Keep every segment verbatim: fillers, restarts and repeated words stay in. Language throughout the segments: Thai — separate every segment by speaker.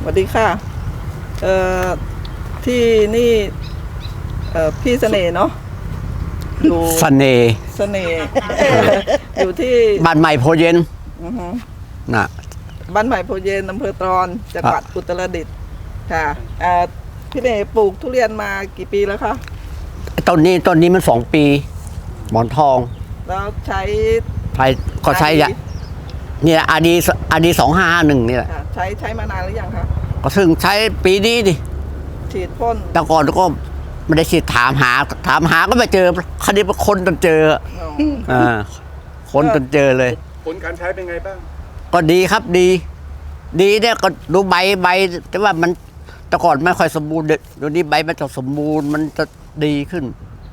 Speaker 1: วัสดีค่ะเอ่อที่นี่เอ่อพี่เสน่ห์เนาะอยู่
Speaker 2: เสน่ห์
Speaker 1: เสน่ห์อยู่ที่
Speaker 2: บ้านใหม่โพเย็น
Speaker 1: อือฮึ
Speaker 2: น่ะ
Speaker 1: บ้านใหม่โพเย็นอำเภอตรอนจังหวัดอุตรดิตถ์ค่ะเอ่อพี่เสน่ห์ปลูกทุเรียนมากี่ปีแล้วคะ
Speaker 2: ต้นนี้ต้นนี้มันสองปีหมอนทอง
Speaker 1: แล้วใช้
Speaker 2: ใช้ก็ใช้ยานี่แหละอาดีอาดีสองห้าหนึ่งนี่แหละ
Speaker 1: ใช้ใช้มานานหรือยังคะ
Speaker 2: ก็ซึ่งใช้ปีนี้ดิ
Speaker 1: ฉีดพ่น
Speaker 2: แต่ก่อนก็ไม่ได้ฉีดถามหาถามหาก็ไม่เจอคดีเป็นคนจนเจออ่าคนจนเจอเลย
Speaker 3: ผลการใช้เป็นไงบ้าง
Speaker 2: ก็ดีครับดี ดีเนี่ยก็ดูใบใบแต่ว่ามันแต่ก่อนไม่ค่อยสมบูรณ์เดี๋ยวนี้ใบมันจะสมบูรณ์มันจะดีขึ้น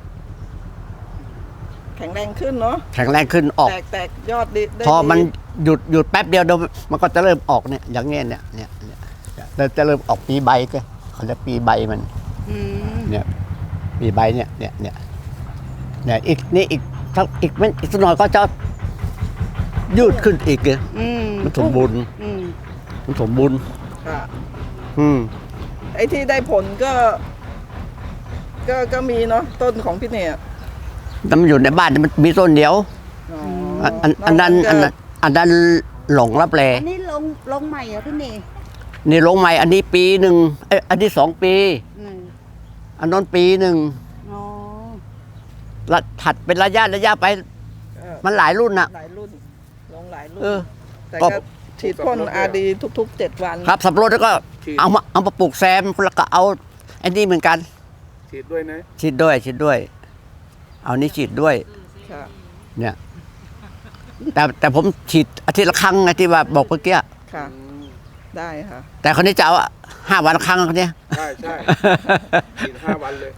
Speaker 1: แข็งแรงขึ้นเนาะ
Speaker 2: แข็งแรงขึ้นออก
Speaker 1: แตกแตกยอดดี
Speaker 2: พอมันหยุดหยุดแป๊บเดียวเดี๋ยวมันก็จะเริ่มออกเนี่ยอย่างเงี้ยเนี่ยเนี่ยเนี่ยจะเริ่มออกปีใบก็เขาเรียกปีใบมันเนี่ยปีใบเนี่ยเนี่ยเนี่ยเนี่ยอีกนี่อีกถ้าอีกไม่อีกสักหน่อยก็จะยืดขึ้นอีกเลยมันสมบูรณ์มันสมบูรณ์
Speaker 1: ค่ะ
Speaker 2: อืม
Speaker 1: ไอ้ที่ได้ผลก็ ก็ก็มีเนาะต้นของพี่เนี่ย
Speaker 2: แต่มันอยู่ในบ้านมันมีต้นเดียวอันอันนั้นอันนั้นอันนั้นหลงรับแล
Speaker 4: อันนี้ลงลงใหม่เหรอพี่เนย
Speaker 2: นี่ลงใหม่อันนี้ปีหนึ่งเอ้อันที่สองปีอันนั้นปีหนึ่งละถัดเป็นระยะระยะไปมันหลายรุ่นอะ
Speaker 1: หลายรุ่นลงหลายรุ่นแต่ก็ฉีดพ่นอาดีทุกๆเจ็ดวัน
Speaker 2: ครับสับปะรดแล้วก็เอามาเอามาปลูกแซมแล้วก็เอาไอ้นี่เหมือนกัน
Speaker 3: ฉีดด้วยนะ
Speaker 2: ฉีดด้วยฉีดด้วยเอานี้ฉีดด้วยเนี่ยแต่แต่ผมฉีดอาทิตย์ละครั้งไงที่ว่าบอกเมื่อกี้
Speaker 1: ค่ะได้ค่ะ
Speaker 2: แต่คนนี้จะเอาห้าวันครั้งคนนี้
Speaker 3: ใช่ใช่ฉีดห้าวันเลย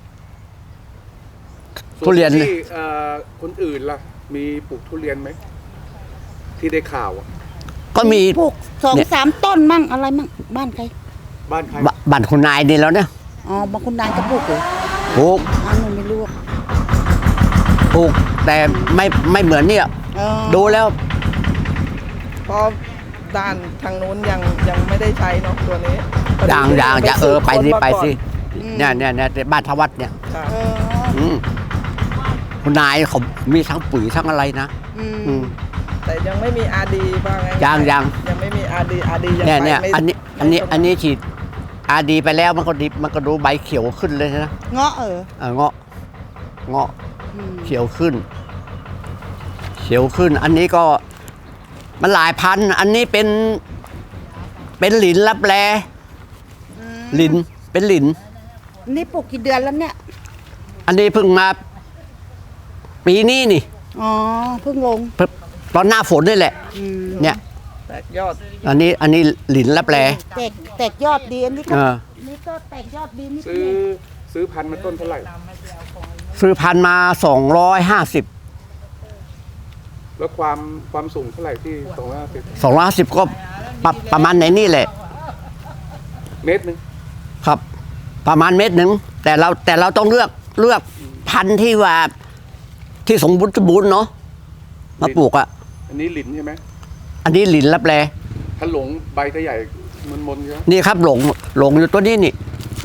Speaker 2: ทุเรียน
Speaker 3: ที่คนอื่นล่ะมีปลูกทุเรียนไหมที่ได้ข่าว
Speaker 2: ก็มี
Speaker 4: ปลูกสองสามต้นมั่งอะไรมั่งบ้านใคร
Speaker 3: บ้านใคร
Speaker 2: บ้านคุณนายนี่แล้วเนี่ย
Speaker 4: อ๋อบางคุณนายก็ปลูกเลย
Speaker 2: ปลูก
Speaker 4: อันนี้ไม่รู้
Speaker 2: ปลูกแต่ไม่ไม่เหมือนเนี่ยดูแล้ว
Speaker 1: เพราะด้านทางนู้นยังยังไม่ได้ใช้เนาะตัวนี้
Speaker 2: อย่างอย่างจะเออไปสิไปสิเนี่ยเนี่ยเนี่ยบ้านทวัดเนี่ยคุณนายเขามีทั้งปุ๋ยทั้งอะไรนะ
Speaker 1: แต่ยังไม่มีอาดีบ้างไง
Speaker 2: ยังยัง
Speaker 1: ยังไม่มีอาดีอาดียัง
Speaker 2: เนี่ยเนี่ยอันนี้อันนี้อันนี้ฉีดอาดีไปแล้วมันก็ดิบมันก็ดูใบเขียวขึ้นเลยนะ
Speaker 4: เงาะเออ
Speaker 2: เงาะเงาะเขียวขึ้นเขียวขึ้นอันนี้ก็มันหลายพันอันนี้เป็นเป็นหลินลับแลหลินเป็นหลิน
Speaker 4: นี่ปลูกกี่เดือนแล้วเนี่ย
Speaker 2: อันนี้เพิ่งมาปีนี้นี่
Speaker 4: อ๋อเพิ่งลง
Speaker 2: ตอนหน้าฝนนี่แหละเนี่ย
Speaker 1: แตกยอด
Speaker 2: อันนี้อันนี้หลินลับแล
Speaker 4: แตกแตกยอดดีอันนี้ก็นี่ก็แตกยอดดีนี่
Speaker 3: ซื้อซื้อพันธุ์มาต้นเท่าไหร่
Speaker 2: ซื้อพันธุ์มาสองร้อยห้าสิบ
Speaker 3: แล้วความความสูงเท่าไหร่ที่สองร้อยห้าสิบ
Speaker 2: สองร้อยห้าสิบก็ประมาณไหนนี่แหละ
Speaker 3: เมตรหนึ่ง
Speaker 2: ครับประมาณเมตรหนึ่งแต่เราแต่เราต้องเลือกเลือกพันธุ์ที่ว่าที่สมบูรณ์สมบูรณ์เนาะมาปลูกอ่ะ
Speaker 3: อันนี้หลินใช่ไหม
Speaker 2: อันนี้หลินลับแล
Speaker 3: ถ้าหลงใบจะใหญ่มันมนใช่ไหม
Speaker 2: นี่ครับหลงหลงอยู่ตัวนี้นี่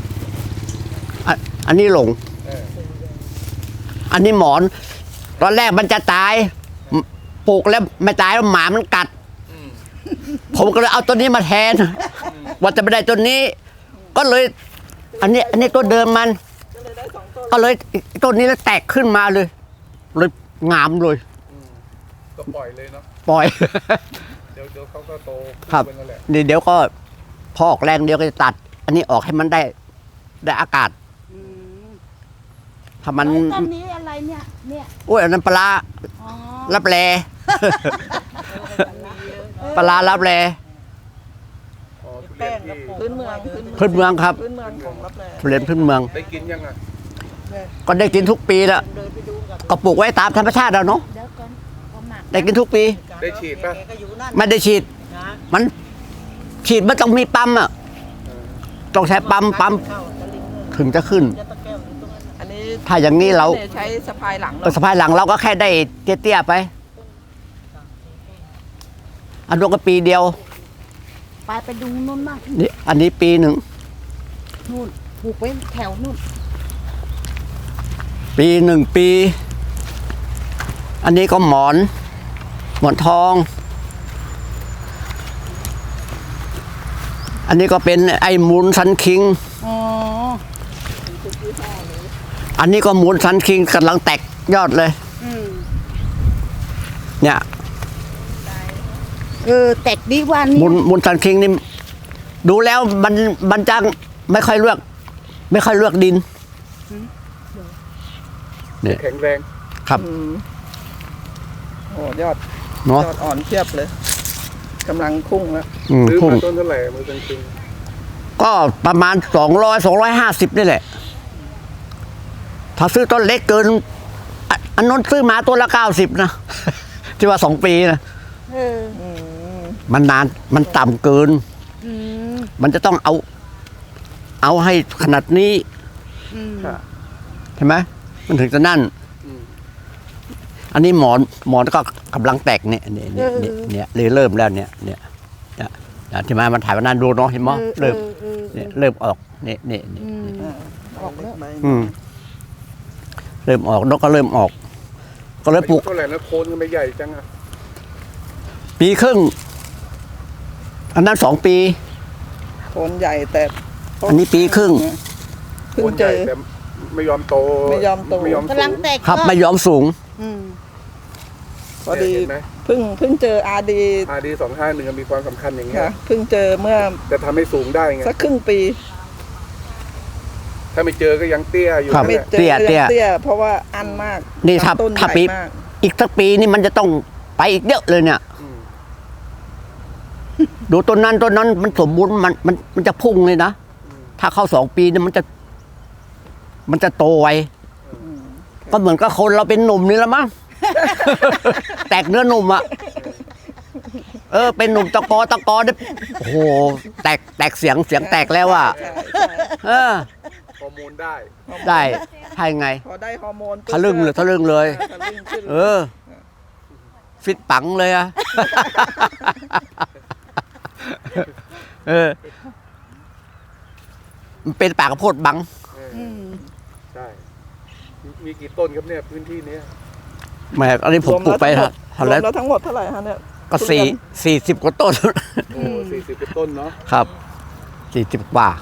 Speaker 2: อันนี้หลงอันนี้หมอนตอนแรกมันจะตายปลูกแล้วไม่ตายแล้วหมามันกัดผมก็เลยเอาตัวนี้มาแทนว่าจะไม่ได้ตัวนี้ก็เลยอันนี้อันนี้ตัวเดิมมันก็เลยต้นนี้แล้วแตกขึ้นมาเลยเลยงามเลย
Speaker 3: ก็ปล่อยเลยเนาะ
Speaker 2: ปล่อย
Speaker 3: เดี๋ยวเดี๋ยวเขาก็โต
Speaker 2: ครับนี่เดี๋ยวก็พอออกแรงเดียวก็จะตัดอันนี้ออกให้มันได้ได้อากาศถ้ามัน
Speaker 4: ต้นนี้อะไรเนี่ยเนี่ย
Speaker 2: โอ้ยอันนั้นปลาลับแลปลาลับแล
Speaker 1: พื้นเมือง
Speaker 2: พื้นเมืองครับ
Speaker 1: พื้นเมืองของลับแล
Speaker 2: เรียนพื้นเมือง
Speaker 3: ได้กินยังไง
Speaker 2: ก็ได้กินทุกปีแล้วก็ปลูกไว้ตามธรรมชาติแล้วเนาะได้กินทุกปี
Speaker 3: ได้ฉีดป่ะ
Speaker 2: ไม่ได้ฉีดมันฉีดมันต้องมีปั๊มอ่ะต้องใช้ปั๊มปั๊มถึงจะขึ้นถ้าอย่างนี้เรา
Speaker 1: ใช้สะพายหลัง
Speaker 2: สะพายหลังเราก็แค่ได้เตี้ยๆไปอันนู้นก็ปีเดียว
Speaker 4: ไปไปดูนู่นมาก
Speaker 2: นี่อันนี้ปีหนึ่ง
Speaker 4: นู่นปลูกไว้แถวนู่น
Speaker 2: ปีหนึ่งปี อันนี้ก็หมอน หมอนทอง อันนี้ก็เป็นไอ้มูลซันคิง
Speaker 4: อ๋อ
Speaker 2: อันนี้ก็มูลซันคิงกำลังแตกยอดเลย
Speaker 4: อืม
Speaker 2: เนี่ย
Speaker 4: เออแตกดีวันนี้
Speaker 2: มูลมูลซันคิงนี่ดูแล้วมันมันจังไม่ค่อยเลือก ไม่ค่อยเลือกดินเนี่ย
Speaker 3: แข็งแรง
Speaker 2: ครับ
Speaker 1: อืมโอ้ยอด
Speaker 2: เนาะ
Speaker 1: ยอดอ่อนเทียบเลยกำลังพุ่งแล้ว
Speaker 2: อืม
Speaker 3: ซื้อ
Speaker 2: พุ่ง
Speaker 3: มาต้นเท่าไหร่มือจริง
Speaker 2: ก็ประมาณสองร้อยสองร้อยห้าสิบนี่แหละ ถ้าซื้อต้นเล็กเกินอ่ะอันนั้นซื้อมาตัวละเก้าสิบนะ ที่ว่าสองปีนะ
Speaker 4: เออ
Speaker 1: อืม
Speaker 2: มันนานมันต่ำเกิน
Speaker 4: อืม
Speaker 2: มันจะต้องเอา เอาให้ขนาดนี้
Speaker 4: อืม
Speaker 3: ๆค่ะ
Speaker 2: ใช่ไหมมันถึงจะนั่น
Speaker 3: อืม
Speaker 2: อันนี้หมอนหมอนก็กำลังแตกเนี่ยเนี่ยเนี่ยเนี่ยเนี่ยเลยเริ่มแล้วเนี่ยเนี่ยเนี่ยเนี่ยที่มามันถ่ายวันนั้นดูเนาะเห็นมั้ยเริ่ม
Speaker 4: ออออ
Speaker 2: เนี่ยเริ่มออกเนี่ยเนี่ยเนี่ย
Speaker 4: อืม
Speaker 1: อ่า
Speaker 4: ออกแล้ว
Speaker 1: ใบ
Speaker 2: อืมเริ่มออกนกก็เริ่มออก ก็เลยปลูก
Speaker 3: เท่าไหร่แล้วโคนก็ไม่ใหญ่จังอ่ะ
Speaker 2: ปีครึ่ง อันนั้นสองปี
Speaker 1: โคนใหญ่แต่ต้
Speaker 2: อันนี้ปีครึ่ง
Speaker 1: เพิ่
Speaker 3: โค
Speaker 1: ง
Speaker 3: น
Speaker 1: เจ
Speaker 3: ใหญ่
Speaker 1: อ
Speaker 3: แต่ไม่ยอมโต
Speaker 1: ไม่ยอมโต
Speaker 3: ไม่ยอม
Speaker 4: กำลังแตก
Speaker 2: ครับ
Speaker 4: ยอด
Speaker 2: ไม่ยอมสูง
Speaker 4: อืม
Speaker 1: พอดี
Speaker 3: เห็นไหม
Speaker 1: เพิ่งเพิ่งเจออาดี
Speaker 3: อาดีสองห้าหนึ่งมีความสำคัญอย่างเงี้ย
Speaker 1: ค่ะเพิ่งเจอเมื่อ
Speaker 3: จะทำให้สูงได้ไง
Speaker 1: สักครึ่งปี
Speaker 3: ถ้าไม่เจอก็ยังเตี้ยอยู่
Speaker 2: ครับ
Speaker 3: นั่น
Speaker 1: ไม่
Speaker 3: แหละ
Speaker 1: เจอ
Speaker 2: เตี้ยเตี้ย
Speaker 1: เตี้ยเพราะว่าอันมาก
Speaker 2: นี่ถ้า
Speaker 1: ลำต้น
Speaker 2: ถ้า
Speaker 1: ใหญ่
Speaker 2: ปี
Speaker 1: มาก
Speaker 2: อีกสักปีนี่มันจะต้องไปอีกเยอะเลยเนี่ย
Speaker 3: อืม
Speaker 2: ดูต้นนั้นต้นนั้นมันสมบูรณ์มันมันมันจะพุ่งเลยนะ ถ้าเข้าสองปีเนี่ยมันจะ มันจะโตไวก็เหมือนกับคนเราเป็นหนุ่มนี่ละมั้ง แตกเนื้อหนุ่มอะเออ เป็นหนุ่มตะกอตะกอเนี่ยโอ้โหแตกแตกเสียงเสียงแตกแล้วอะ
Speaker 1: ใช่ใช่
Speaker 2: เออ
Speaker 3: ฮอร์โมนได้
Speaker 2: ได้ใช่ไง
Speaker 1: พอได้ฮอร์โมนปุ๊บ
Speaker 2: ทะลึ่งเลยทะลึ่งเลย
Speaker 1: ทะลึ่งขึ้น
Speaker 2: เออ ฟิตปังเลยอะ เออ มันเป็นปากกระโพดบัง
Speaker 3: เออ
Speaker 4: อืม
Speaker 3: ใช่มีมีกี่ต้นครับเนี่ยพื้นที่เนี้ย
Speaker 2: แหมอันนี้ผมปลูกไป
Speaker 1: รวม
Speaker 2: เท่าไหร่
Speaker 1: แล้วทั้งหมดเท่าไหร่ฮะเนี่ย
Speaker 2: ก็สี่สี่สิบกว่าต้น
Speaker 3: โอ้สี่สิบเป็นต้นเนาะ
Speaker 2: ครับสี่สิบกว่า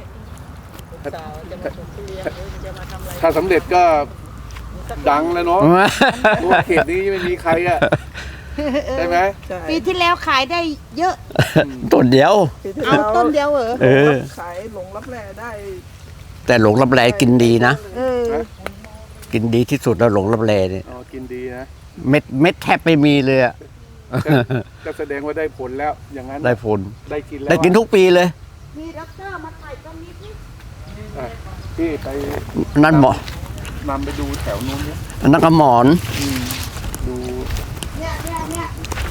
Speaker 3: ถ้าสำเร็จก็ดังแล้วเนาะเพราะว่าเขตนี้ไม่มีใครอ่ะใช่ไหม
Speaker 1: ใช่
Speaker 4: ปีที่แล้วขายได้เยอะ
Speaker 2: ต้นเดียว
Speaker 1: ปีที่
Speaker 4: เอา
Speaker 1: แล้ว
Speaker 4: ต้นเดียวเหรอ
Speaker 2: เออ
Speaker 1: ขายหลงรับแลได้
Speaker 2: แต่หลงรับแลกินดีนะ
Speaker 4: เออ
Speaker 2: กินดีที่สุดแล้วหลงรับแลเนี่ย
Speaker 3: อ๋อกินดีนะ
Speaker 2: เม็ดเม็ดแทบไม่มีเลยอะ
Speaker 3: ก็แสดงว่าได้ผลแล้ว อย่างนั้น
Speaker 2: ได้ผล
Speaker 3: ได้กินแล้ว
Speaker 2: ได้กินทุกปีเลย
Speaker 4: มีด็อกเตอร์มาถ่ายต้นนี้ที่
Speaker 3: อ่ะพี่ไป
Speaker 2: นั่นหมอน
Speaker 3: ำไปดูแถวนู้นเนี่ย
Speaker 2: อันนั้นก็หมอน
Speaker 3: อืมดู
Speaker 4: เนี่ยเนี่ยเนี่ย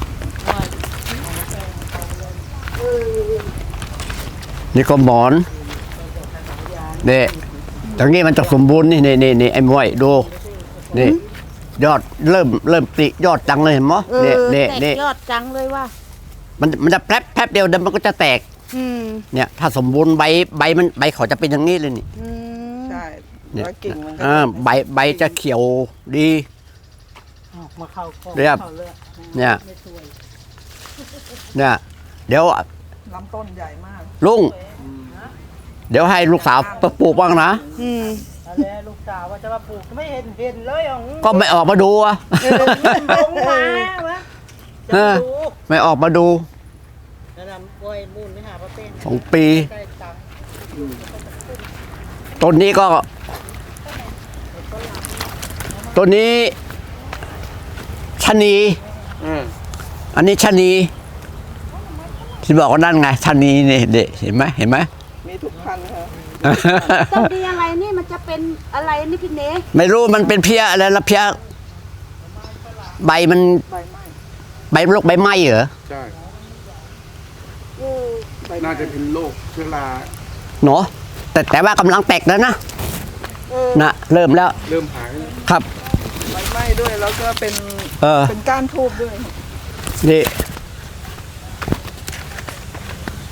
Speaker 2: นี่ก็หมอนนี่ตรงนี้มันจะสมบูรณ์นี่นี่นี่นี่ไอ้มวยดูนี่ยอดเริ่มเริ่มติยอดจังเลยเห็นมั้ย
Speaker 4: เอ
Speaker 2: นี่
Speaker 4: อ
Speaker 2: นี่
Speaker 4: แต
Speaker 2: นี่
Speaker 4: กยอดจังเลยว่า
Speaker 2: มันมันจะแป๊บแป๊บเดียวเดี๋ยวมันก็จะแตก
Speaker 4: อืม
Speaker 2: เนี่ย ถ้าสมบูรณ์ใบใบมันใบเขาจะเป็นอย่างนี้เลยนี่
Speaker 4: อืม
Speaker 1: ใช่
Speaker 2: เนี่ย
Speaker 1: แล้วกิ่งมันก็
Speaker 2: อ่าใบใบจะเขียวดี
Speaker 5: มาเข้ากล้อง
Speaker 2: เรียบ
Speaker 5: เข้าเลือด
Speaker 2: เนี่ย
Speaker 5: ไม่ช่วย
Speaker 2: เนี่ยเดี๋ยว
Speaker 1: ลำต้นใหญ่มาก
Speaker 2: ลุงเดี๋ยวให้ลูกสาวไปปลูกบ้างนะ
Speaker 4: อืม
Speaker 5: แล้วลูกสาวว่าจะมาปลูกไม่เห็นเห็นเลยอ๋อง
Speaker 2: ก็ไม่ออกมาดูอะ
Speaker 4: เออ
Speaker 5: ลงมาวะจะมาดู
Speaker 2: ไม่ออกมาดู
Speaker 5: แล้วนำกล้วยมูลไปหาป้าเต้น
Speaker 2: สองปี
Speaker 5: ได้ตังค์
Speaker 2: ต้นนี้ก็ต้นนี้ชะนี
Speaker 3: อืม
Speaker 2: อันนี้ชะนีที่บอกว่านั่นไงชะนีนี่เด็เห็นไหมเห็นไหม
Speaker 1: มีทุกพันธุ์ค่ะ
Speaker 4: ต้นดีอะไรนี่มันจะเป็นอะไรนี่พี่เน
Speaker 2: ไม่รู้มันเป็นเพี้ยอะไรละเพี้ยใบมัน
Speaker 1: ใบไม้
Speaker 2: ใบโรคใบไหม้เหรอ
Speaker 3: ใช่
Speaker 4: เออ
Speaker 1: ใบ
Speaker 3: น่า
Speaker 1: ไม้
Speaker 3: จะเป็นโรคเชื้อรา
Speaker 2: เนาะแต่แต่ว่ากำลังแตกแล้วนะ
Speaker 4: เออ
Speaker 2: นะเริ่มแล้ว
Speaker 3: เริ่มหายแล้ว
Speaker 2: ครับ
Speaker 1: ใบไม้ด้วยแล้วก็เป็น
Speaker 2: เออ
Speaker 1: เป็นก้านทูบด้วย
Speaker 2: นี่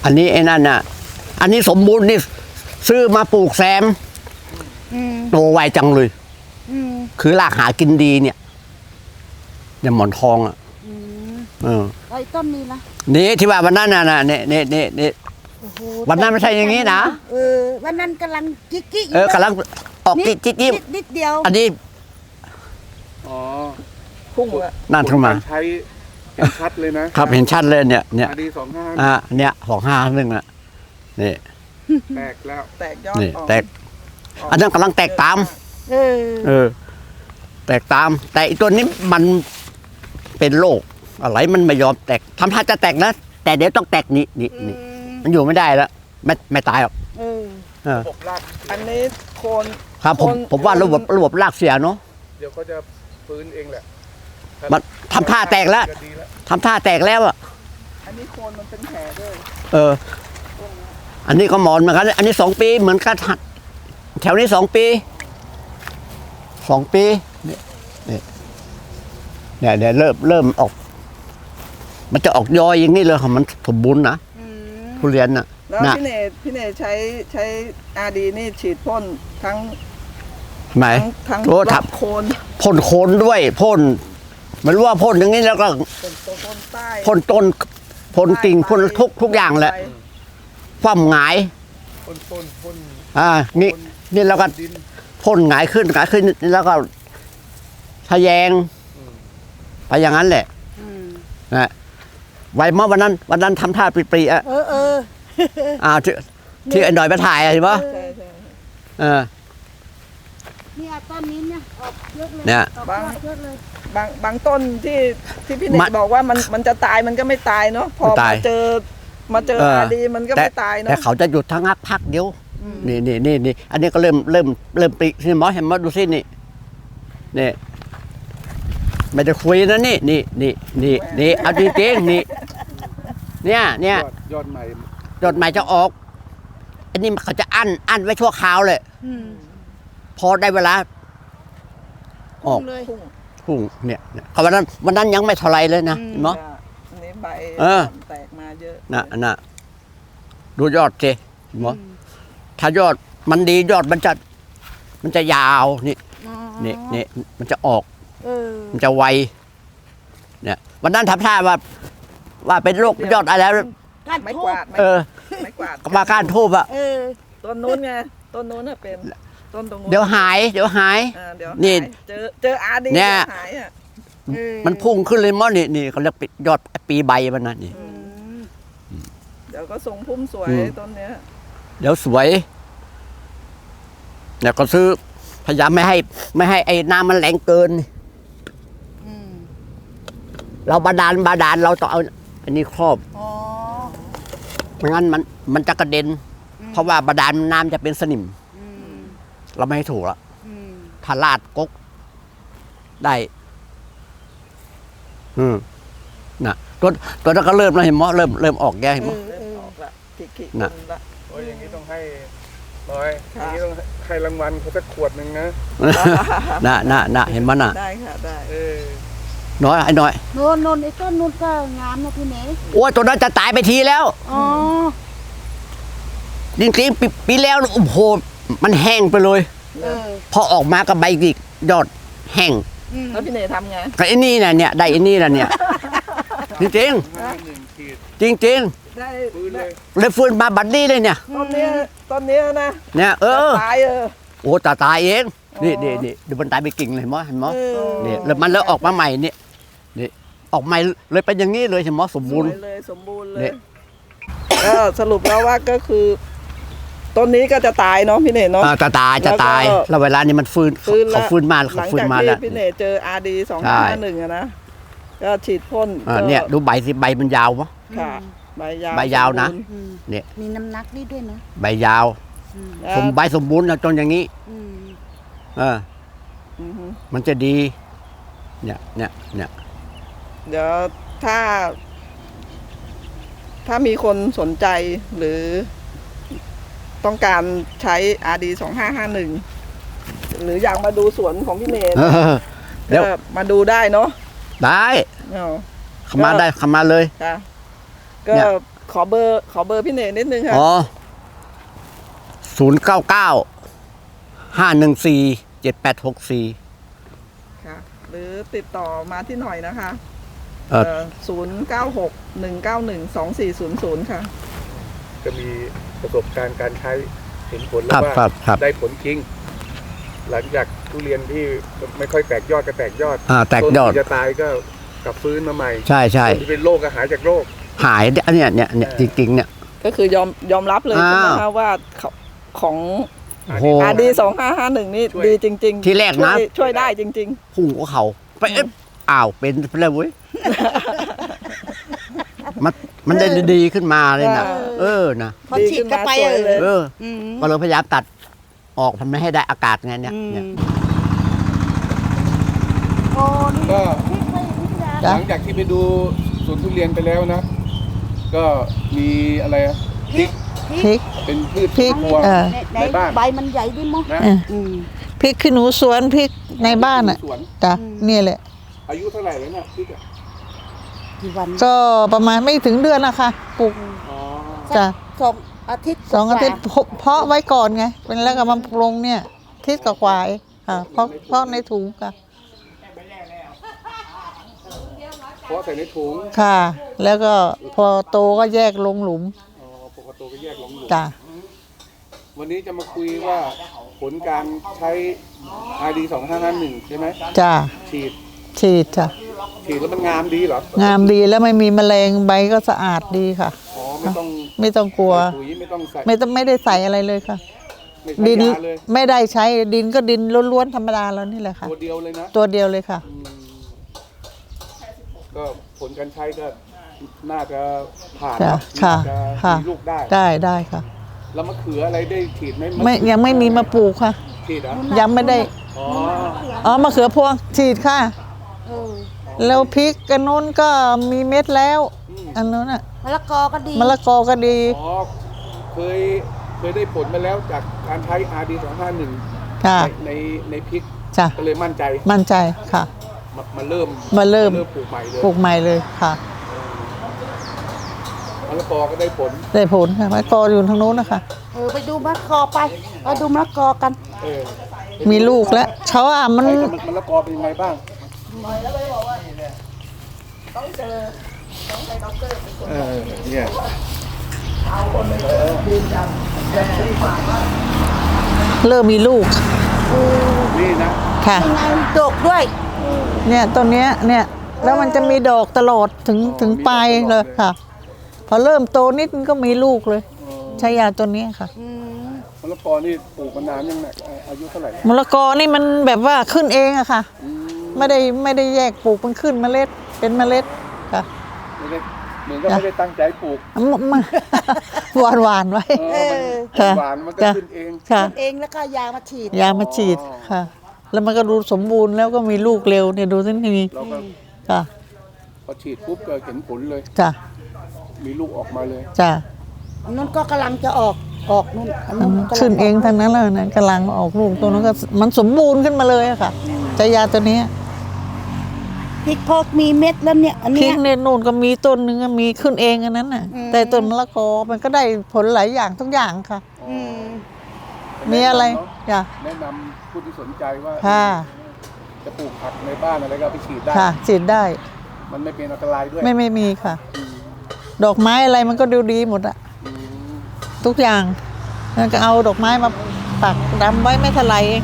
Speaker 2: อันนี้ไอ้นั่นน่ะ อันนี้สมบูรณ์นี่ซื้อมาปลูกแซม
Speaker 4: อืม
Speaker 2: โตไวจังเลย
Speaker 4: อืม
Speaker 2: คือรากหากินดีเนี่ยเนี่ยหมอนทองอ่ะ
Speaker 4: อืม
Speaker 2: เออ
Speaker 4: ไอ้ต้นนี้ละ
Speaker 2: นี่ที่ว่าวันนั้นน่ะนะเนี่ยเนี่ยเนี่ยเนี่ย
Speaker 4: โอ้โห
Speaker 2: วันนั้นไม่ใช่อย่างนี้นะ
Speaker 4: เออวันนั้นกำลังกิ๊กกิ๊ก
Speaker 2: เออกำลังออกจิ๊กจิ๊กจิ๊ก
Speaker 4: นิดนิดเดียว
Speaker 2: อันนี้
Speaker 3: อ๋อ
Speaker 1: พุ่งละ
Speaker 2: นั่นขึ้นมา
Speaker 3: ผลกรใช้เห็นชัดเลยนะครับ
Speaker 2: เห็นชัดเลยเนี่ยเนี่ย
Speaker 3: อาดีสองห้า
Speaker 2: อ่ะเนี่ยสองห้าหนึ่งอ่ะนี่
Speaker 3: แตกแล้ว
Speaker 1: แตกยอด
Speaker 2: นี่
Speaker 1: ออก
Speaker 2: แตก อันนั้นกำลังแตกตาม
Speaker 4: เออ
Speaker 2: เออ แตกตาม แต่อีตัวนี้มันเป็นโรคอะไรมันไม่ยอมแตกทำท่าจะแตกนะแต่เดี๋ยวต้องแตกนี่นี่นี่มันอยู่ไม่ได้แล้วไม่ไม่ตายหรอก
Speaker 4: เออ
Speaker 2: เออ
Speaker 3: ระบบราก
Speaker 1: อันนี้โคน
Speaker 2: ครับผม
Speaker 1: คน
Speaker 2: ผมว่าระบบระบบรากเสียเนาะ
Speaker 3: เดี๋ยวเขาจะฟื้นเองแหละ
Speaker 2: มันทำท่าแตกแล้ว
Speaker 3: จะดีแล้ว
Speaker 2: ทำท่าแตกแล้วอ่ะ
Speaker 1: อันนี้โคนมันเป็นแผลด้วย
Speaker 2: เออ อันนี้ก็หมอนเหมือนกัน อันนี้สองปีเหมือนกันแถวนี้สองปีสองปีเนี่ยเนี่ยเนี่ยเดี๋ยวเริ่มเริ่มออก มันจะออกยอยอย่างนี้เลยค่ะมันสมบูรณ์นะ
Speaker 4: อืม
Speaker 2: ทุเรียนน่ะ
Speaker 1: แล้ว
Speaker 2: น่ะ
Speaker 1: พี่เนตพี่เนตใช้ใช้อาดีนี่ฉีดพ่นทั้ง
Speaker 2: ไหน
Speaker 1: ทั้งทั้ง
Speaker 2: โอ้
Speaker 1: ร
Speaker 2: ทั
Speaker 1: อ
Speaker 2: บบ
Speaker 1: โคน
Speaker 2: พ่นโคนด้วยพ่นไม่รู้ว่าพ่นอย่างนี้แล้วก็
Speaker 1: เป็นตัวพ่นใต้
Speaker 2: พ่นต้นพ่นกิ่งพ่นทุกทุกอย่างแหละ
Speaker 1: ใบ
Speaker 2: คว่ำหงาย
Speaker 3: พ่นพ่นพ่น
Speaker 2: อ่านี่นี่แล้วก็
Speaker 3: ดิน
Speaker 2: พ่นหงายขึ้นหงายขึ้นแล้วก็ทะแยง
Speaker 3: อืม
Speaker 2: ไปอย่างนั้นแหละ
Speaker 4: อืม
Speaker 2: นะไวเมื่อวันนั้น วันนั้นทำท่าปรีๆอ่ะ
Speaker 4: เออเออ
Speaker 2: อ่าที่ที่ไอ้หน่อยมาถ่ายอะเห็นปะ
Speaker 1: ใช่ใช่
Speaker 2: เออ
Speaker 4: เนี่ยต้นนี้เนี่ยออกเยอะเลย
Speaker 2: เนี่ย
Speaker 4: ออกเยอะเลย
Speaker 1: บางบางต้นที่ที่พี่เน
Speaker 2: มั
Speaker 1: ต
Speaker 2: น
Speaker 1: บอกว่ามันมันจะตายมันก็ไม่ตายเนาะพอ
Speaker 2: ไม่ตาย
Speaker 1: มาเจอมาเจอ
Speaker 2: เออ
Speaker 1: อาดีมันก็
Speaker 2: แต่
Speaker 1: ไม่ตายเนาะ
Speaker 2: แต่เขาจะหยุดทั้งนักพักเดียว
Speaker 1: อืม
Speaker 2: นี่นี่นี่นี่อันนี้ก็เริ่มเริ่มเริ่มปรินี่หมอเห็นหมอดูสินี่นี่ไม่ได้คุยนะนี่นี่นี่นี่นี่เอาจริงๆนี่เนี่ยเนี่ย
Speaker 3: ยอดยอดใหม่
Speaker 2: จดหมายจะออก อันนี้เขาจะอั้นอั้นไว้ชั่วคราวเลย
Speaker 4: อืม
Speaker 2: พอได้เวลา ออก
Speaker 4: เลย
Speaker 1: พุ่ง
Speaker 2: พุ่งเนี่ยเนี่ยเขาวันนั้นวันนั้นยังไม่เท่าไรเลยนะ
Speaker 4: อืม
Speaker 2: เห็นไหม
Speaker 1: อ่ะอันนี้ใบ
Speaker 2: เออ
Speaker 1: แตกมาเยอะ
Speaker 2: น่ะน่ะดูยอดสิเห็นไหม
Speaker 4: อืม
Speaker 2: ถ้ายอดมันดียอดมันจะ มันจะยาวนี่
Speaker 4: อ๋อ
Speaker 2: นี่นี่มันจะออก
Speaker 4: เออ
Speaker 2: มันจะไวเนี่ยวันนั้นทำท่าว่า ว่าเป็นโรคยอดอะไรแล้ว
Speaker 4: ก้าน
Speaker 1: ไม้
Speaker 4: ทู
Speaker 1: ก
Speaker 4: บ
Speaker 1: วาดไม้
Speaker 2: เออ
Speaker 1: ไม้กวาด
Speaker 2: ก็มาก้านทูบอะ
Speaker 4: เออ
Speaker 1: ต้นนู้นไงต้นนู้นน่ะเป็นต้นตรงนู้น
Speaker 2: เดี๋ยวหาย เดี๋ยวหาย
Speaker 1: อ่าเดี๋ยว
Speaker 2: นี่
Speaker 1: หายเจอเจออาดี
Speaker 2: เนี่ย
Speaker 1: หายอ่ะ
Speaker 4: เออ
Speaker 2: มันพุ่งขึ้นเลยมั้งนี่นี่เขาเรียกยอดปีใบมันนะนี่
Speaker 4: อืม
Speaker 1: เดี๋ยวก็ทรงพุ่มสวย
Speaker 2: อืม
Speaker 1: ต้นเนี้ย
Speaker 2: เดี๋ยวสวยเนี่ยก็ซื้อพยายามไม่ให้ ไม่ให้ไอ้น้ำมันแรงเกิน
Speaker 4: อืม
Speaker 2: เราบาดาลบาดาลเราต้องเอาอันนี้ครอบ
Speaker 4: อ๋อ
Speaker 2: ไม่งั้นมันมันจะกระเด็น
Speaker 4: อืม
Speaker 2: เพราะว่าบาดาลน้ำจะเป็นสนิม
Speaker 4: อืม
Speaker 2: เราไม่ให้ถูกละ
Speaker 4: อืม
Speaker 2: ถ้าลาดกกได้ อืมนะตัวตัวนั้นก็เริ่มแล้วเห็นมั้ยเริ่มเริ่มออกแกเห็น
Speaker 4: เอ
Speaker 2: มั้ย
Speaker 4: อ
Speaker 1: เริ่
Speaker 4: เอ
Speaker 1: ม
Speaker 4: อ
Speaker 1: ออกละขีดขีด
Speaker 2: น่ะ
Speaker 1: ละ
Speaker 3: โอ้ยอย่างนี้ต้องให้น้อยอ
Speaker 1: ค่ะ
Speaker 3: ย่างนี้ต้องให้รางวัลเขาสักขวดหนึ่งนะ
Speaker 2: น่ะน่ะน่ะเห็นมั้ยน่ะ
Speaker 1: ได้ค่ะได้
Speaker 3: เออ
Speaker 2: น้อยไอ้น้อย
Speaker 4: โนนโนนไอ้ต้นนู้นก็งามนะพี่เนย
Speaker 2: โอ้ยตัวนั้นจะตายไปทีแล้ว
Speaker 4: อ๋อ
Speaker 2: จริงๆปีปีแล้วโอ้โหมันแห้งไปเลย
Speaker 4: เออ
Speaker 2: พอออกมาก็ใบอีกยอดแห้ง
Speaker 4: อืม
Speaker 1: แล้วพี่เนยทำไง
Speaker 2: ก็ไอ้นี่น่ะเนี่ยได้ไอ้นี่น่ะเนี่ย จริง
Speaker 3: ห้าหนึ่งขีด
Speaker 2: ๆจริง
Speaker 1: ได้
Speaker 3: ฟื้นเลย
Speaker 2: ๆเลยฟื้นมาบัดนี้เลยเนี่ย
Speaker 1: ต้นเนี้ยต้นเนี้ยนะ
Speaker 2: เนี่ยเออ
Speaker 1: ตายเออ
Speaker 2: โอ้ตาตายเองนี่
Speaker 1: อ๋อ
Speaker 2: นี่นี่ดูมันตายไปกิ่งเลยเห็นมั้ยเห็นมั้ย
Speaker 4: เออ
Speaker 2: เนี่ยแล้วมันแล้วออกมาใหม่เนี่ยนี่ออกใหม่เลยเป็นอย่างนี้เลยเห็นมั้ยสมบูรณ์
Speaker 1: สวยเลยสมบูรณ์เล
Speaker 2: เนี่ย ย
Speaker 1: ก็สรุปแล้วว่าก็คือต้นนี้ก็จะตายเนาะพี่เนยเนาะ
Speaker 2: อ่าจะตายจะตาย
Speaker 1: แล้วก็
Speaker 2: แล้วเวลานี้มันฟื้น
Speaker 1: ฟื้นละ
Speaker 2: เขาฟื้นมา
Speaker 1: ห
Speaker 2: เขา
Speaker 1: ลัง
Speaker 2: ฟื้น
Speaker 1: จาก
Speaker 2: มา
Speaker 1: ที่
Speaker 2: แล้ว
Speaker 1: พี่เนยเจออาร์ดีสอง
Speaker 2: ใช่
Speaker 1: ห้าหนึ่งอะนะก็ฉีดพ่น
Speaker 2: อ่า
Speaker 1: ก็
Speaker 2: เนี่ยดูใบสิใบมันยาวมั้ย
Speaker 1: ค่ะใบยาว
Speaker 2: ใบยาวนะ
Speaker 1: สมบูรณ์
Speaker 4: อืม
Speaker 2: เนี่ย
Speaker 4: มีน้ำหนักนี่ด้วยนะ
Speaker 2: ใบยาว
Speaker 4: อืม
Speaker 2: สมใบสมบูรณ์นะจนอย่างนี้
Speaker 4: อืม
Speaker 2: เออ
Speaker 1: อือฮึ
Speaker 2: มันจะดี เนี่ยเนี่ยเนี่ย
Speaker 1: เดี๋ยวถ้า ถ้ามีคนสนใจหรือ ต้องการใช้ อาร์ ดี สองห้าห้าหนึ่ง หรืออยากมาดูสวนของพี่เนย
Speaker 2: เออเดี๋ยว
Speaker 1: ก็มาดูได้เนาะ
Speaker 2: ได้
Speaker 1: เนาะ
Speaker 2: เข้ามาได้เข้ามาเลย
Speaker 1: ค่ะก็
Speaker 2: เนี่ย
Speaker 1: ขอเบอร์ขอเบอร์พี่เนนิดนึงค่ะ
Speaker 2: อ๋อศูนย์เก้าเก้าห้าหนึ่งสี่เจ็ดแปดหกสี่
Speaker 1: ค่ะ หรือติดต่อมาที่หน่อยนะคะ
Speaker 2: เออ
Speaker 1: ศูนย์เก้าหกหนึ่งเก้าหนึ่งสองสี่ศูนย์ศูนย์ค่ะ
Speaker 3: จะมีประสบการณ์การใช้เห็นผล
Speaker 2: ค
Speaker 3: แล้
Speaker 2: รั
Speaker 3: ว
Speaker 2: บ
Speaker 3: ว่า
Speaker 2: ครับครับ
Speaker 3: ได้ผลจริง หลังจากทุเรียนที่ไม่ค่อยแตกยอดก็แตกยอด
Speaker 2: อ่าแตกยอด
Speaker 3: ต้นที่จะตายก็กลับฟื้นมาใหม่
Speaker 2: ใช่ใช่
Speaker 3: ต้นที่เป็นโรคก็หายจากโรค
Speaker 2: หายเนี่ยเนี่ยเนี่ยเนี่ยจริงๆเนี่ย
Speaker 1: ก็คือยอมยอมรับเลยใช่ไหม
Speaker 2: อ้า
Speaker 1: คะ
Speaker 2: ว
Speaker 1: ว่าของของ
Speaker 2: โอ้โห
Speaker 1: อาดีสองห้าห้าหนึ่งนี่
Speaker 3: ช่วย
Speaker 1: ดีจริงๆ
Speaker 2: ทีแรกนะ
Speaker 1: ช่วยช่วยได้จริง
Speaker 2: พุ่งกับเขาไปเอ๊ะอ้าวเป็นไปเลยเว้ยมันมันได้ดีขึ้นมาเลยนะเออนะ
Speaker 4: พอฉีดเข้าไป
Speaker 1: ดีขึ้นมาสวยเลย
Speaker 2: เออ
Speaker 4: อืม
Speaker 2: ก็เลยพยายามตัดออกทำให้ได้อากาศไงเนี่ย
Speaker 4: อืม
Speaker 2: เนี่ย
Speaker 4: โอ้นี่
Speaker 3: ก็
Speaker 4: พริกไม่พิจาร
Speaker 3: ห
Speaker 4: ณา
Speaker 3: ลังจากที่ไปดูสวนทุเรียนไปแล้วนะ ก็มีอะไรอะพริก
Speaker 6: พริก
Speaker 3: เป็นพืช
Speaker 6: พริก
Speaker 3: ครัว
Speaker 6: เออ
Speaker 4: ใน
Speaker 3: ในบ้าน
Speaker 4: ใบมันใหญ่ดิมั้ง
Speaker 3: นะ
Speaker 6: เออ
Speaker 4: อืม
Speaker 6: พริกขี้หนูสวนพริกในบ้านอ่ะ
Speaker 3: สวน
Speaker 6: จ้ะเนี่ยแหละ
Speaker 3: อายุเท่าไหร่แล้วเนี่ยพริกอะ
Speaker 4: กี่วัน
Speaker 6: ก็ประมาณไม่ถึงเดือนนะคะปลูก
Speaker 3: อ๋อ
Speaker 6: จ้ะ
Speaker 4: สองอาทิตย์
Speaker 6: สองอาทิตย์
Speaker 4: กว่
Speaker 6: เพเพาะไว้ก่อนไงเป็นแล้วก็มาปรุงเนี่ยอาทิศกับควายค่ะเพราะเพราะในถุงค่ะ
Speaker 3: เพราะใส่ในถุง
Speaker 6: ค่ะ แล้วก็พอโตก็แยกลงหลุม
Speaker 3: อ๋อปกติก็แยกลงอยู่
Speaker 6: จ้ะ
Speaker 3: วันนี้จะมาคุยว่าผลการใช้ อาร์ ดี สองห้าห้าหนึ่งใช่ไหม
Speaker 6: จ้ะ
Speaker 3: ฉีด
Speaker 6: ฉีดจ้ะ
Speaker 3: ฉีดแล้วมันงามดีเหรอง
Speaker 6: ามดีแล้วไม่มีแมลงใบก็สะอาดดีค่ะ
Speaker 3: อ๋อไม่ต้อง
Speaker 6: ไม่ต้องกลัว
Speaker 3: ปุ๋ยไม่ต้องใส่
Speaker 6: ไม่ต้องไม่ได้ใส่อะไรเลยค่ะ
Speaker 3: ไม่ใส่
Speaker 6: ดิน
Speaker 3: ยาเลย
Speaker 6: ไม่ได้ใช้ดินก็ดินล้วนๆธรรมดาแล้วนี่แหละค่ะ
Speaker 3: ตัวเดียวเลยนะ
Speaker 6: ตัวเดียวเลยค่ะ
Speaker 3: อืมก็ผลการใช้ก็น่าจะผ่าน
Speaker 6: ค่ะ
Speaker 3: เนอะ
Speaker 6: ค่ะ
Speaker 3: น่าจะ
Speaker 6: ค่ะ
Speaker 3: มีลูกได้
Speaker 6: ได้ได้ค่ะ
Speaker 3: แล้วมะเขืออะไรได้ฉีดไหม
Speaker 6: ไม่ยังไม่มีมาปลูกค่ะ
Speaker 3: ฉีดเหรอ่ะ
Speaker 6: ยังไม่ได้
Speaker 3: อ๋อ
Speaker 6: อ๋อมะเขือพวงฉีดค่ะ
Speaker 4: เออ
Speaker 6: แล้วพริกกันนู้นก็มีเม็ดแล้ว อันนู้นอ่ะ
Speaker 4: มะละกอก็ดี
Speaker 6: มะละกอก็ดี
Speaker 3: อ๋อเคยเคยได้ผลมาแล้วจากการใช้ อาร์ ดี สองห้าหนึ่ง
Speaker 6: ค่ะ
Speaker 3: ในในในพริก
Speaker 6: จ้ะ
Speaker 3: ก็เลยมั่นใจ
Speaker 6: มั่นใจค่ะ
Speaker 3: มามาเริ่ม
Speaker 6: มาเริ่ม
Speaker 3: เริ่มปลูกใหม่เลย
Speaker 6: ปลูกใหม่เลยค่ะ
Speaker 3: มะละกอก็ได้ผล
Speaker 6: ได้ผลค่ะมะละกออยู่ทางนู้นนะคะ
Speaker 4: เออไปดูมะละกอไปไปดูมะละกอกัน
Speaker 3: เออ
Speaker 6: มีลูกแล้วเขาอ่ะมัน
Speaker 3: ใช้กับมะละกอเป็นยังไงบ้างเออเนี่ย
Speaker 6: เริ่มมีลูก
Speaker 3: นี่นะ
Speaker 6: ค่ะ
Speaker 4: ยังไงดกด้วย
Speaker 6: เนี่ยต้นเนี้ยเนี่ยแล้วมันจะมีดอกตลอดถึงถึงปลายเลยค่ะ พอเริ่มโตนิดมันก็มีลูกเลย ใช้ยาตัวนี้ค่ะ
Speaker 4: อืม
Speaker 3: มะละกอนี่ปลูกมานานยังไงอายุเท่าไหร่
Speaker 6: มะละกอนี่มันแบบว่าขึ้นเองอะค่ะ
Speaker 3: อืม
Speaker 6: ไม่ได้ไม่ได้แยกปลูกมันขึ้นเมล็ดเป็นเมล็ดค่ะ
Speaker 3: ไม่ได้เหมือนก็ไม่ได้ตั้งใจปลูก
Speaker 6: มมาหวานหวานๆไว้
Speaker 3: เออมัน
Speaker 6: ค่ะ
Speaker 3: หวานมันก็
Speaker 6: จ้ะ
Speaker 3: ขึ้นเอง
Speaker 6: ค่ะ
Speaker 4: เองแล้วก็ยามาฉีด
Speaker 6: ยามาฉีดค่ะ แล้วมันก็ดูสมบูรณ์แล้วก็มีลูกเร็วเนี่ยดูสิมี
Speaker 3: เราก็
Speaker 6: ค่ะ
Speaker 3: พอฉีดปุ๊บก็เห็นผลเลย
Speaker 6: จ้ะ
Speaker 3: มีลูกออกมาเลย
Speaker 6: จ้ะ
Speaker 4: อันนู้นก็กำลังจะออกออกนู่นอันนู้นกำลั
Speaker 6: ขึ้นเองทั้งนั้นเลยนะกำลังออกลูกตัวนั้นก็มันสมบูรณ์ขึ้นมาเลยอะค่ะใช้ยาตัวนี้
Speaker 4: พริกพอกมีเม็ดแล้วเนี่ย อัน
Speaker 6: พริ
Speaker 4: เนี้
Speaker 6: ก
Speaker 4: ย
Speaker 6: เนี่ยนู่นก็มีต้นหนึงอะมีขึ้นเองอันนั้นน่ะ
Speaker 4: อืม
Speaker 6: แต่ต้นมะละกอมันก็ได้ผลหลายอย่างทุกอย่างค่ะ
Speaker 4: อืม
Speaker 6: มีอะไร
Speaker 3: แนนำเน
Speaker 6: จ้ะ
Speaker 3: แนะนำผู้ที่สนใจว่า
Speaker 6: ค่ะ
Speaker 3: จะปลูกผักในบ้านอะไรก็เอาไปฉีดได้
Speaker 6: ค่ะฉีดได้
Speaker 3: มันไม่เป็นอันตรายด้วย
Speaker 6: ไม่ไม่มีค่ะ
Speaker 3: อืม
Speaker 6: ดอกไม้อะไรมันก็ดูดีหมดอะ
Speaker 3: อืม
Speaker 6: ทุกอย่างแล้วก็เอาดอกไม้มาปักดำไว้ไม่เท่าไหร่เอง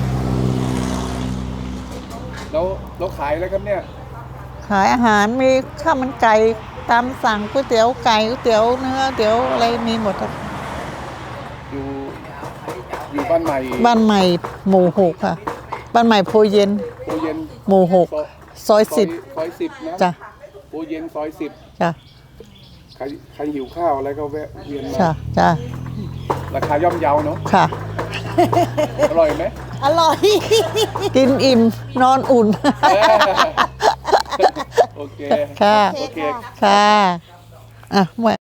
Speaker 3: แล้วเราขายอะไรครับเนี่ย
Speaker 6: ขายอาหารมีข้าวมันไก่ตามสั่งก๋วยเตี๋ยวไก่ก๋วยเตี๋ยวเนื้อก๋วยเตี๋ยวอะไรมีหมดอะ
Speaker 3: อยู่อยู่บ้านใหม่
Speaker 6: บ้านใหม่หมู่หกค่ะ บ้านใหม่โพเย็น
Speaker 3: โพเย็น
Speaker 6: หมู่หก ซอยสิบ
Speaker 3: ซอยสิบนะ
Speaker 6: จ้ะ
Speaker 3: โพเย็นซอยสิบ
Speaker 6: จ้ะ
Speaker 3: ใครใครหิวข้าวอะไรก็แวะเวียนมา
Speaker 6: จ้ะจ้ะ
Speaker 3: ราคาย่อมเยาเนาะ
Speaker 6: ค่ะ
Speaker 3: อร่อยไหม
Speaker 4: อร่อย
Speaker 6: กินอิ่มนอนอุ่น
Speaker 3: โอเค
Speaker 6: ค่ะ
Speaker 3: โอเค
Speaker 6: ค่ะ อ่ะแหว